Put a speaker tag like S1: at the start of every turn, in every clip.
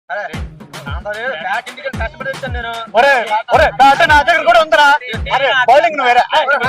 S1: Bat నా దగ్గర కూడా ఉందరా. అరే బౌలింగ్ నువ్వు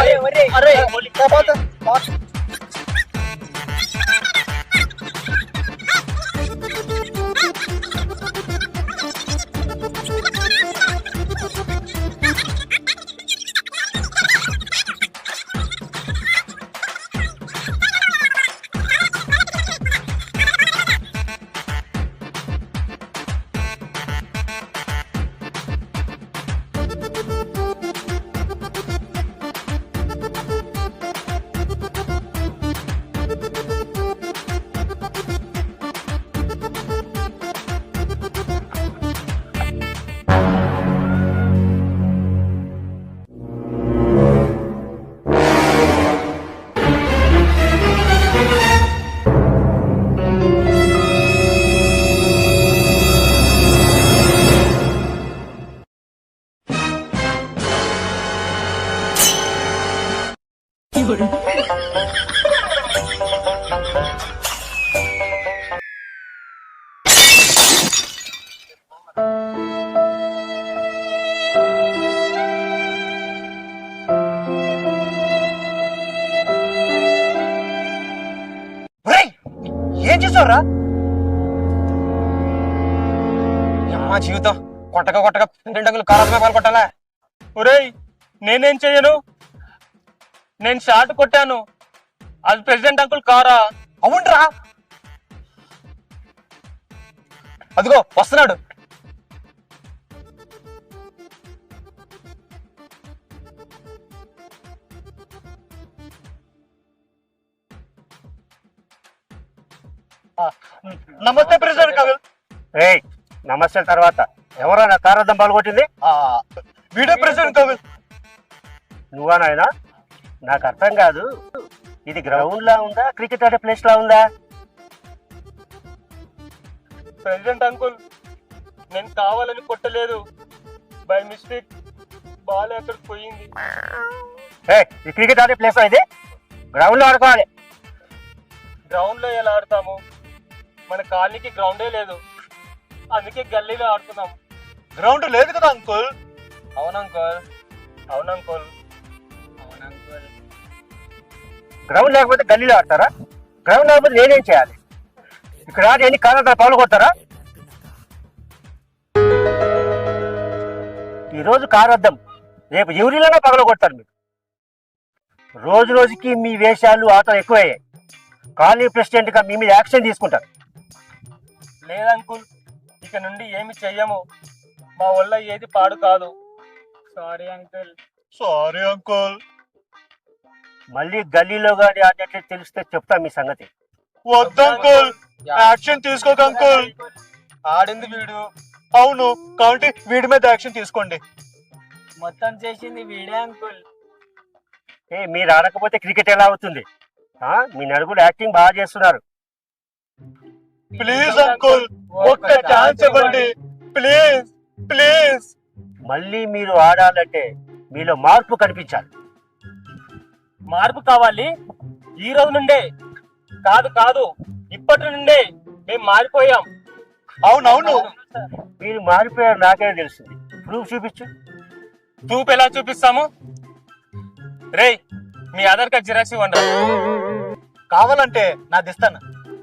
S1: ఏం చేసావురా? అమ్మా జీవితం కొట్టగా కొట్టగా 2 అంగులు కారాలమే పాల్గొట్టాలా? ఒరేయ్ నేనేం చెయ్యను, నేను షాట్ కొట్టాను, అది ప్రెసిడెంట్ అంకుల్ కారా. అవునరా, అదిగో వస్తున్నాడు. నమస్తే ప్రెసిడెంట్ అంకుల్.
S2: ఏయ్ నమస్తే తర్వాత ఎవరా నా కారద్దం పాల్గొట్టింది?
S1: Video president uncle.
S2: నువ్వా నాయనా? నాకు అర్థం కాదు, ఇది గ్రౌండ్ లా ఉందా క్రికెట్ ఆడే ప్లేస్ లా ఉందా?
S1: ప్రెసిడెంట్ అంకుల్ నేను కావాలని కొట్టలేదు, బై మిస్టేక్ బాల్ అక్కడికి పోయింది.
S2: ఇది క్రికెట్ ఆడే ప్లేస్ ఇది, గ్రౌండ్ లో ఆడుకోవాలి.
S1: గ్రౌండ్ లో ఎలా ఆడతాము? మన కాలనీకి గ్రౌండే లేదు, అందుకే గల్లీలో ఆడుతున్నాం. గ్రౌండ్ లేదు కదా అంకుల్? అవును అంకుల్, అవును అంకుల్, అవును అంకుల్.
S2: గ్రౌండ్ లేకపోతే గల్లీలో ఆడతారా? గ్రౌండ్ లేకపోతే నేనేం చేయాలి? ఇక్కడ ఆడి ఎన్ని కారణాలు పాల్గొడతారా? ఈరోజు కారద్దం, రేపు ఎవరిలోనే పగలగొడతారు మీరు. రోజు రోజుకి మీ వేషాలు ఆటలు ఎక్కువయ్యాయి. కాలనీ ప్రెసిడెంట్ గా మీ మీద యాక్షన్ తీసుకుంటారు.
S1: లేదంకుల్, ఇక నుండి ఏమి చెయ్యము, మా వల్ల ఏది పాడు కాదు. Sorry uncle. Sorry uncle.
S2: మళ్ళీ గల్లీలో గాడి ఆడినట్లు తెలిస్తే చెప్తా మీ సంగతి.
S1: వద్దంకుల్, యాక్షన్ తీసుకోక అంకుల్. ఆడింది వీడు. అవును, కాబట్టి వీడి మీద యాక్షన్ తీసుకోండి. మొత్తం చేసింది వీడే అంకుల్.
S2: మీరు ఆడకపోతే క్రికెట్ ఎలా అవుతుంది? మీ నలుగురు యాక్టింగ్ బాగా చేస్తున్నారు.
S1: ప్లీజ్ అంకుల్, ఒక్క ఛాన్స్ ఇవ్వండి ప్లీజ్ ప్లీజ్.
S2: మళ్ళీ మీరు ఆడాలంటే మీలో మార్పు కనిపించాలి.
S1: మార్పు కావాలి ఈ రోజు నుండే కాదు కాదు, ఇప్పటి నుండే మేము మారిపోయాం. అవునవును,
S2: మీరు మారిపోయారు నాకే తెలుస్తుంది. ప్రూఫ్ చూపించు.
S1: ప్రూఫ్ ఎలా చూపిస్తాము? రేయ్ మీ ఆధార్ కార్డ్ జిరాక్స్ ఇవ్వండి. కావాలంటే నాది ఇస్తాను.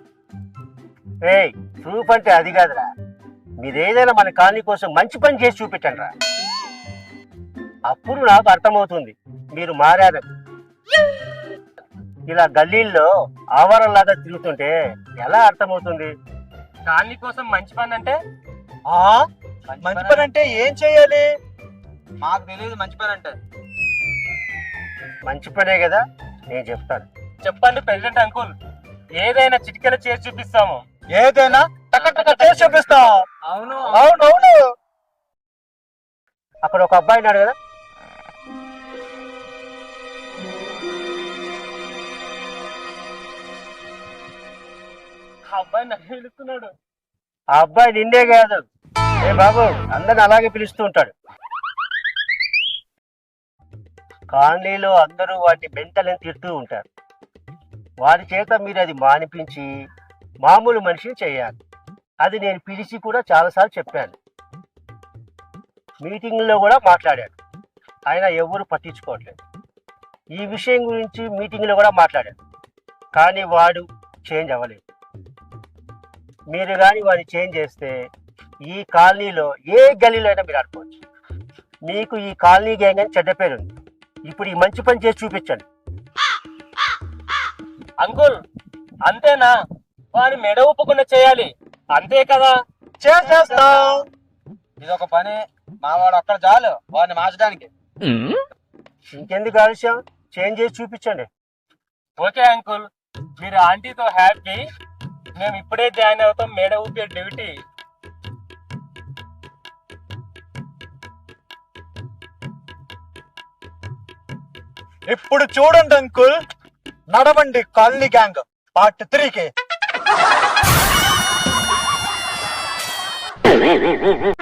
S2: ప్రూఫ్ అంటే అది కాదురా, మీరు ఏదైనా మన కాలనీ కోసం మంచి పని చేసి చూపించండి రా, అప్పుడు నాకు అర్థమవుతుంది మీరు మారారని. ఇలా గల్లీల్లో ఆవారంలాగా తిరుగుతుంటే ఎలా అర్థమవుతుంది?
S1: కాలనీ కోసం మంచి పని అంటే మంచి పని అంటే ఏం చేయాలి? మాకు తెలియదు మంచి పని అంటే.
S2: మంచి పనే కదా, నేను చెప్తాను.
S1: చెప్పండి ప్రెసిడెంట్ అంకుల్, ఏదైనా చిటికెల చేసి చూపిస్తాము. ఏదైనా టక చేసి చూపిస్తాం. అవును అవునవును.
S2: అక్కడ ఒక అబ్బాయి ఉన్నాడు కదా,
S1: అబ్బాయి నన్ను పిలుస్తున్నాడు.
S2: ఆ అబ్బాయి నిన్నే కాదు, బాబు అందరిని అలాగే పిలుస్తూ ఉంటాడు. కాలనీలో అందరూ వాటి మెంటలని తిడుతూ ఉంటారు. వారి చేత మీరు అది మానిపించి మామూలు మనిషిని చేయాలి. అది నేను పిలిచి కూడా చాలాసార్లు చెప్పాను, మీటింగ్లో కూడా మాట్లాడాను, అయినా ఎవరు పట్టించుకోవట్లేదు. ఈ విషయం గురించి మీటింగ్లో కూడా మాట్లాడాను, కానీ వాడు చేంజ్ అవ్వలేదు. మీరు కానీ వాడిని చేంజ్ చేస్తే ఈ కాలనీలో ఏ గల్లీలో అయినా మీరు ఆడుకోవచ్చు. మీకు ఈ కాలనీ గ్యాంగ్ అని చెడ్డ పేరు ఉంది. ఇప్పుడు ఈ మంచి పని చేసి చూపించండి.
S1: అంకుల్ అంతేనా? వాడిని మెడ ఊపకుండా చేయాలి, అంతే కదా?
S3: చేస్తాం. ఇదొక పని, మావాడు అక్కడ చాలు వాడిని మార్చడానికి.
S2: ఇంకెందుకు ఆలస్యం, చేంజ్ చేసి చూపించండి.
S1: ఓకే అంకుల్, మీరు ఆంటీతో హ్యాపీ. మేము ఇప్పుడే జాయిన్ అవుతాం మేడ ఊపే డ్యూటీ.
S3: ఇప్పుడు చూడండి అంకుల్, నడవండి కాలనీ గ్యాంగ్ పార్ట్ 3కి.